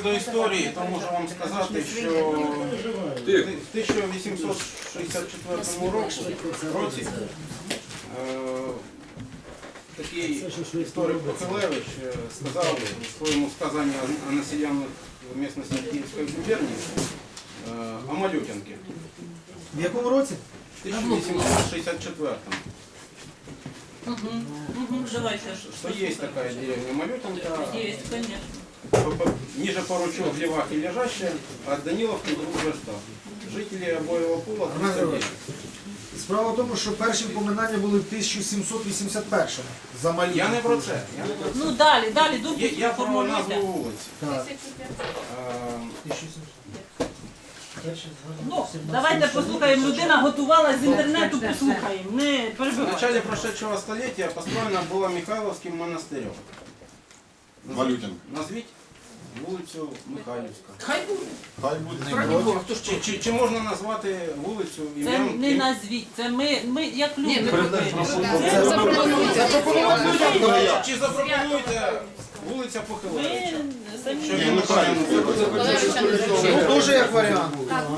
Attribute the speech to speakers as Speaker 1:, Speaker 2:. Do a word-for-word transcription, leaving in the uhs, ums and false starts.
Speaker 1: щодо історії, то можу вам сказати, що в тисяча вісімсот шістдесят четвертому році е, такий історик Похилевич е, сказав у своєму сказанні о населенных місцевості Київської губернії е, о Малютинке
Speaker 2: В якому році?
Speaker 1: в тисяча вісімсот шістдесят четвертому.
Speaker 3: Угу. Угу. Давайте.
Speaker 1: Что есть такая деревня Малютинка,
Speaker 3: Есть, конечно.
Speaker 1: по- по- ниже поручил в Левахе лежащая, от Даниловки до Ружешта. Жители обоего пола триста девять.
Speaker 2: Справа в тому, що перші упоминання були в тисяча сімсот вісімдесят першому за Малютинку.
Speaker 1: Я не про це. Я, не про це.
Speaker 3: Ну далі, далі, думку
Speaker 1: Я, я про назву
Speaker 3: формулюйте.
Speaker 1: вулиці.
Speaker 2: Так.
Speaker 1: Е,
Speaker 3: Ну, давайте послухаємо. Людина готувала з інтернету, послухаємо. Не
Speaker 1: В
Speaker 3: перебивайте.
Speaker 1: начале прошедшего столетия построена была Михайловским монастырем. Назв-
Speaker 4: Малютинка.
Speaker 1: Назвіть вулицю Михайлівська.
Speaker 3: Хай буде.
Speaker 4: Хай буде.
Speaker 1: Чи, чи, чи можна назвати вулицю
Speaker 3: Це
Speaker 1: ім'ям?
Speaker 3: не
Speaker 1: ім-
Speaker 3: назвіть, це ми, ми як люди.
Speaker 2: Це запропонуйте.
Speaker 1: Чи запропонуєте вулиця
Speaker 3: Ви
Speaker 1: Похилевича?
Speaker 3: самі.
Speaker 1: Що
Speaker 4: Ні,
Speaker 1: він
Speaker 4: Михайлівська.
Speaker 1: правильно зробив?
Speaker 2: Ну, дуже як варіант.